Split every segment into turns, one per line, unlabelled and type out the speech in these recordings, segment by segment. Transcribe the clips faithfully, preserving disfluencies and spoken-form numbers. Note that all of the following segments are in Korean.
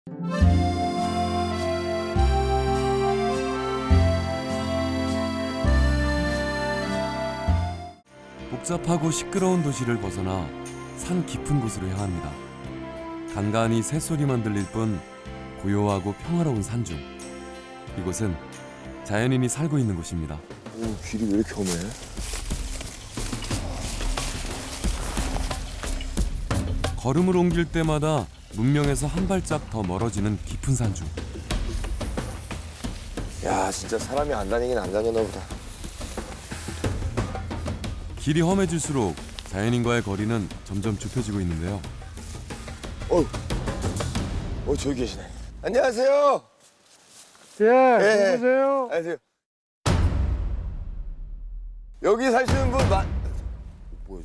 복잡하고 시끄러운 도시를 벗어나 산 깊은 곳으로 향합니다. 간간히 새소리만 들릴 뿐 고요하고 평화로운 산중. 이곳은 자연인이 살고 있는 곳입니다.
오, 길이 왜 이렇게 험해?
걸음을 옮길 때마다 문명에서 한 발짝 더 멀어지는 깊은 산중.
야, 진짜 사람이 안 다니긴 안 다녔나 보다.
길이 험해질수록 자연인과의 거리는 점점 좁혀지고 있는데요.
어, 어 저기 계시네. 안녕하세요.
예,
예.
누구세요?
안녕하세요. 여기 사시는 분 마... 뭐야?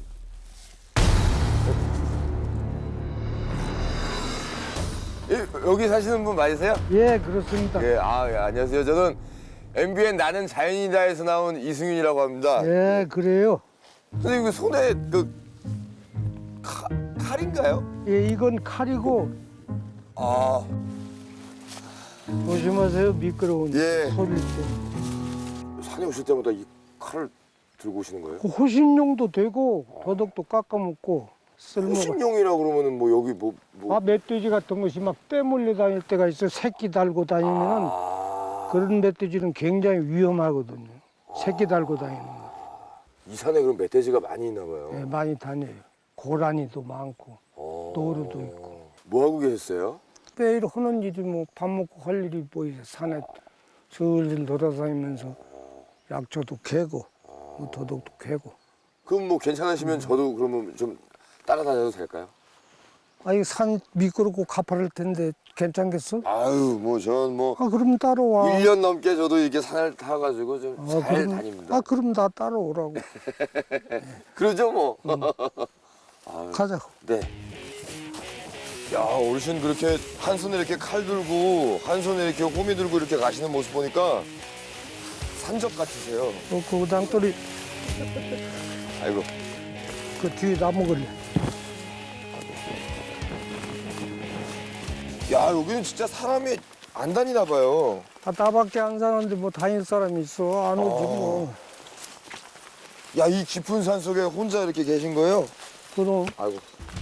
예, 여기 사시는 분 맞으세요?
예, 그렇습니다.
예, 아, 예, 안녕하세요. 저는 엠비엔 나는 자연이다에서 나온 이승윤이라고 합니다.
예, 그래요.
선생님 그 손에 그 칼, 칼인가요?
예, 이건 칼이고
아,
조심하세요. 미끄러운
예.
소리일 때.
산에 오실 때마다 이 칼을 들고 오시는 거예요?
그 호신용도 되고 도덕도 깎아먹고 쓸모가.
호신용이라 그러면은 뭐 여기 뭐 뭐.
아, 멧돼지 같은 것이 막 떼물려 다닐 때가 있어. 새끼 달고 다니면은
아,
그런 멧돼지는 굉장히 위험하거든요. 새끼 달고 다니는 거.
이 산에 그럼 멧돼지가 많이 있나 봐요.
예, 많이 다녀요. 고라니도 많고
어.
노루도 있고.
뭐 하고 계셨어요?
매일 하는 일이 뭐 밥 먹고 할 일이 보이죠. 산에 슬슬 돌아다니면서 약초도 캐고 뭐 도둑도 캐고.
그럼 뭐 괜찮으시면 저도 그러면 좀 따라다녀도 될까요?
아, 이 산 미끄럽고 가파를 텐데 괜찮겠어?
아유, 뭐 전 뭐
아, 그럼 따라와.
일 년 넘게 저도 이렇게 산을 타가지고 좀
아,
잘
그럼,
다닙니다.
아, 그럼 나 따라오라고.
그러죠 뭐.
가자.
네. 야, 어르신 그렇게 한 손에 이렇게 칼 들고 한 손에 이렇게 호미 들고 이렇게 가시는 모습 보니까 산적 같으세요.
어, 그 당돌이
아이고.
그 뒤에 나무 걸려.
야, 여기는 진짜 사람이 안 다니나 봐요.
아, 나밖에 안 사는데 뭐 다닐 사람이 있어. 안 오지 뭐.
야, 이 깊은 산 속에 혼자 이렇게 계신 거예요?
그럼
아이고.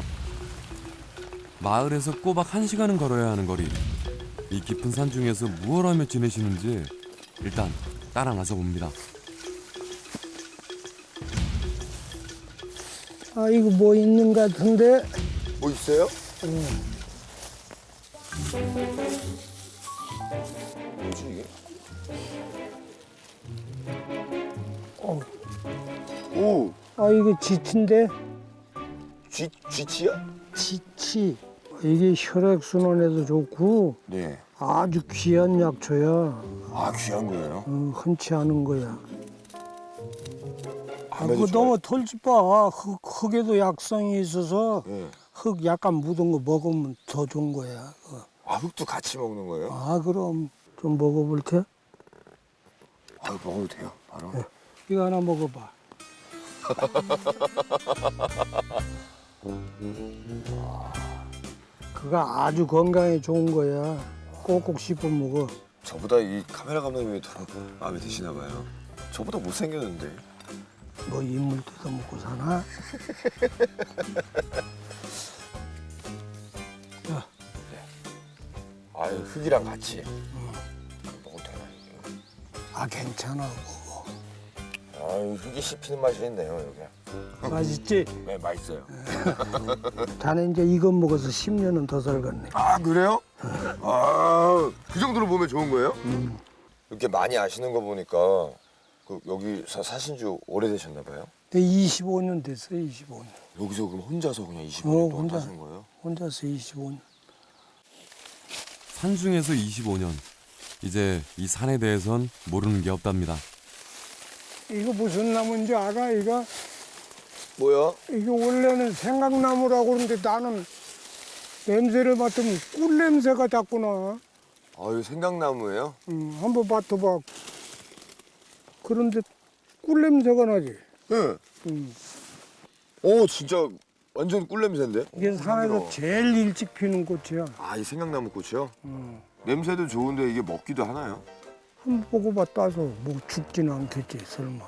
마을에서 꼬박 한 시간은 걸어야 하는 거리. 이 깊은 산중에서 무얼 하며 지내시는지 일단 따라 나서 봅니다.
아, 이거 뭐 있는 것 같은데.
뭐 있어요?
응.
뭐지 이게?
어.
오,
아, 이거 지치인데.
쥐, 쥐치야?
지치. 이게 혈액순환에도 좋고
네.
아주 귀한 약초야.
아, 귀한 거예요?
어, 흔치 않은 거야. 아,
아무래도
그거
좋아요.
너무 털지 마. 흙, 흙에도 약성이 있어서
네.
흙 약간 묻은 거 먹으면 더 좋은 거야. 그거.
아, 흙도 같이 먹는 거예요?
아, 그럼 좀 먹어볼 테?
아, 먹어도 돼요, 바로?
이거 하나 먹어봐. 그거 아주 건강에 좋은 거야. 꼭꼭 씹어 먹어.
저보다 이 카메라 감독님이 더 마음에 드시나 봐요. 저보다 못생겼는데.
뭐 인물 뜯어 먹고 사나? 야,
아유, 흙이랑 같이. 먹어도 되나, 이게?
아, 괜찮아. 먹어.
아유, 흙이 씹히는 맛이 있네요, 여기.
맛있지?
네, 맛있어요.
자네 이제 이거 먹어서 십 년은 더 살겠네.
아, 그래요? 아, 그 정도로 보면 좋은 거예요? 이렇게 많이 아시는 거 보니까 그 여기 사, 사신 지 오래되셨나 봐요?
이십오 년 됐어, 이십오 년.
여기서 그럼 혼자서 그냥 이십오
어,
년 동안
혼자.
사신 거예요?
혼자서 이십오 년.
산중에서 이십오 년. 이제 이 산에 대해선 모르는 게 없답니다.
이거 무슨 나무인지 알아? 이거?
뭐야?
이게 원래는 생강나무라고 그러는데 나는 냄새를 맡으면 꿀 냄새가 자꾸 나.
아, 이거 생강나무예요?
음, 한번 맡아봐. 그런데 꿀 냄새가 나지.
네.
음.
오, 진짜 완전 꿀 냄새인데?
이게 산에서 제일 일찍 피는 꽃이야.
아, 이 생강나무 꽃이요?
어.
냄새도 좋은데 이게 먹기도 하나요?
한번 보고봐 따서 뭐 죽지는 않겠지 설마.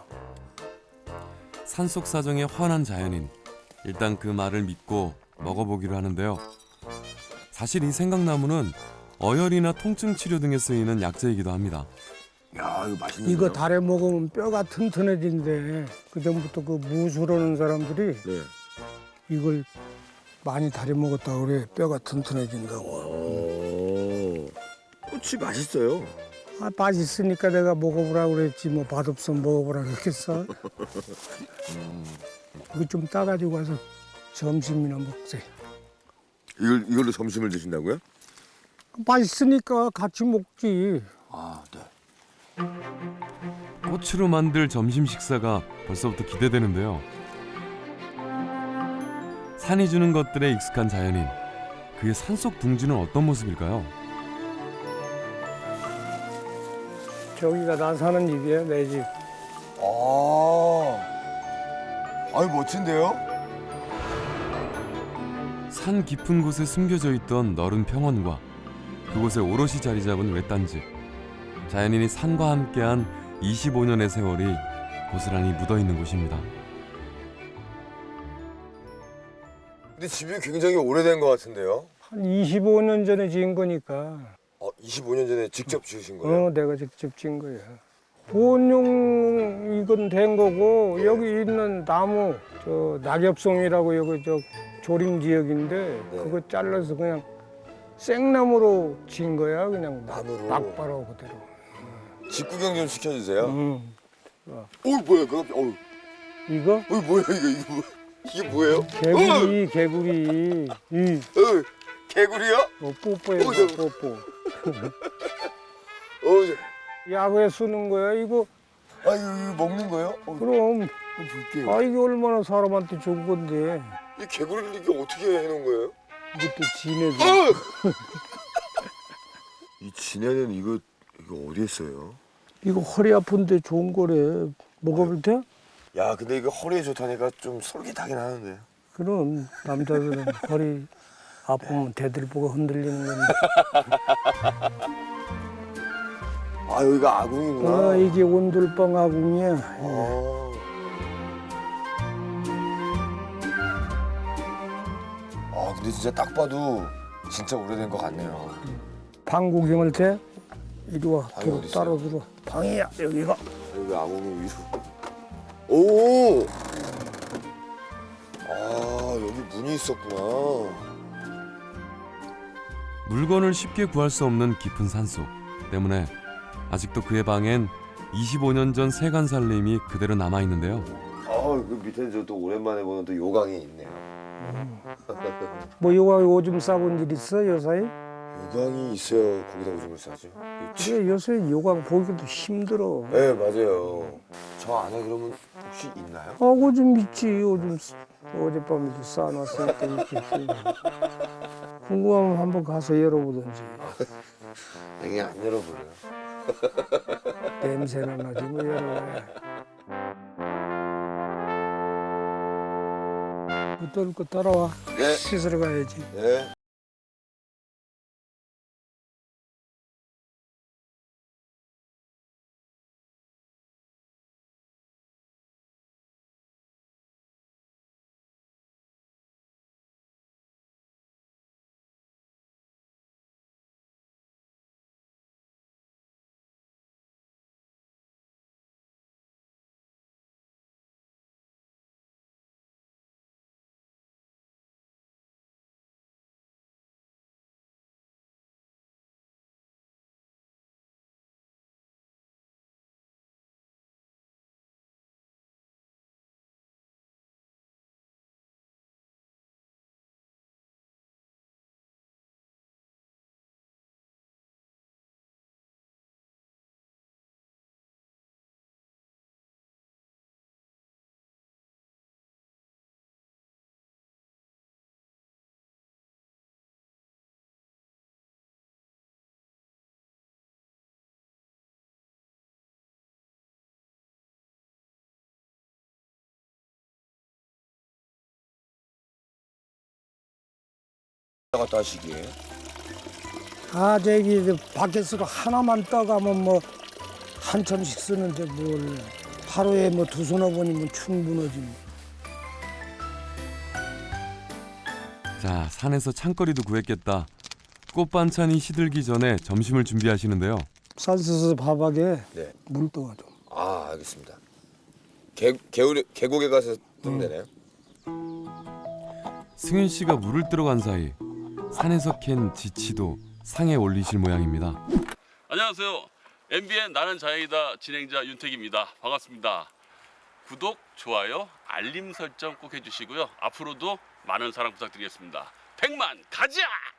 산속 사정에 환한 자연인. 일단 그 말을 믿고 먹어보기로 하는데요. 사실 이 생강나무는 어혈이나 통증 치료 등에 쓰이는 약재이기도 합니다.
야, 이거 맛있는데.
이거 달에 먹으면 뼈가 튼튼해진대. 그 전부터 그 무술하는 사람들이
네.
이걸 많이 달에 먹었다 그래. 뼈가 튼튼해진다고.
오. 꽃이 맛있어요.
아 맛있으니까 내가 먹어보라 그랬지 뭐 맛없으면 먹어보라 그랬겠어. 이거 좀 따가지고 와서 점심이나 먹지.
이걸 이걸로 점심을 드신다고요?
맛있으니까 같이 먹지.
아, 네.
꽃으로 만들 점심 식사가 벌써부터 기대되는데요. 산이 주는 것들에 익숙한 자연인. 그의 산속 둥지는 어떤 모습일까요?
저기가 나 사는 집이야 내 집.
아. 아유, 멋진데요?
산 깊은 곳에 숨겨져 있던 너른 평원과 그곳에 오롯이 자리 잡은 외딴집. 자연인이 산과 함께한 이십오 년의 세월이 고스란히 묻어있는 곳입니다.
근데 집이 굉장히 오래된 것 같은데요?
한 이십오 년 전에 지은 거니까.
어, 이십오 년 전에 직접 지으신 거예요?
어, 내가 직접 지은 거야. 보온용 이건 된 거고 여기 있는 나무 저 낙엽송이라고 여기 저 조림 지역인데
네.
그거 잘라서 그냥 생나무로 지은 거야 그냥
나무로?
막바로 그대로.
직구경 좀 시켜주세요.
응.
어, 뭐야, 그거? 어,
이거
어, 뭐야, 이거, 이거 뭐, 이게 뭐예요?
개구리 개구리 이
어, 개구리요?
어, 뽀뽀해
어, 저-
뽀뽀.
어, 저,
야구에 쓰는 거야 이거.
아, 이거, 이거 먹는 거예요? 어,
그럼
한번 볼게요.
아 이게 얼마나 사람한테 좋은 건데
이 개구리를 이게 어떻게 해놓은 거예요?
이것도 지네들.
어! 이 진해는 이거 이거 어디에 써요?
이거 허리 아픈데 좋은 거래. 먹어볼 때?
야, 근데 이거 허리에 좋다니까 좀 솔깃하긴 하는데.
그럼 남자들은 허리 아프면 대들보고 흔들리는 건데.
아, 여기가 아궁이구나.
아 이게 온돌방 아궁이야.
아. 아, 근데 진짜 딱 봐도 진짜 오래된 것 같네요.
방 구경할 때 이리 와.
방이
들어,
어디 있어요?
따라 들어. 방이야 여기가.
여기 아궁이 위로. 오! 아, 여기 문이 있었구나.
물건을 쉽게 구할 수 없는 깊은 산속 때문에 아직도 그의 방엔 이십오 년 전 세간 살림이 그대로 남아있는데요.
아, 그 밑에 저 또 오랜만에 보는 또 요강이 있네요.
뭐 요가 오줌 싸본 일 있어 요사이?
요강이 있어야 거기다 오줌을 싸죠. 이
그래 요새 요가 보기도 힘들어.
네, 맞아요. 저 안에 그러면 혹시 있나요?
아 오줌 있지 오줌 쓰- 어젯밤에도 싸놨으니까 있겠지. 궁금하면 한번 가서 열어보든지.
되게 안 열어보려요.
냄새나 나지 뭐 열어봐야. 또 거 따라와.
네.
씻으러 가야지.
네. 갔다 하시기에.
아 저기 저 바켓으로 하나만 떠가면 뭐 한참씩 쓰는데 뭘 하루에 뭐 두 서너 번이면 충분하지 뭐.
자, 산에서 창거리도 구했겠다. 꽃 반찬이 시들기 전에 점심을 준비하시는데요.
산서서 밥하게
네.
물 떠가 좀.
아 알겠습니다. 개 개울에 계곡에 가서 뜨면 되나요?
승윤 씨가 물을 뜨러 간 사이 산에서 캔 지치도 상에 올리실 모양입니다.
안녕하세요. 엠비엔 나는 자연이다 진행자 윤택입니다. 반갑습니다. 구독, 좋아요, 알림 설정 꼭 해주시고요. 앞으로도 많은 사랑 부탁드리겠습니다. 백만 가자!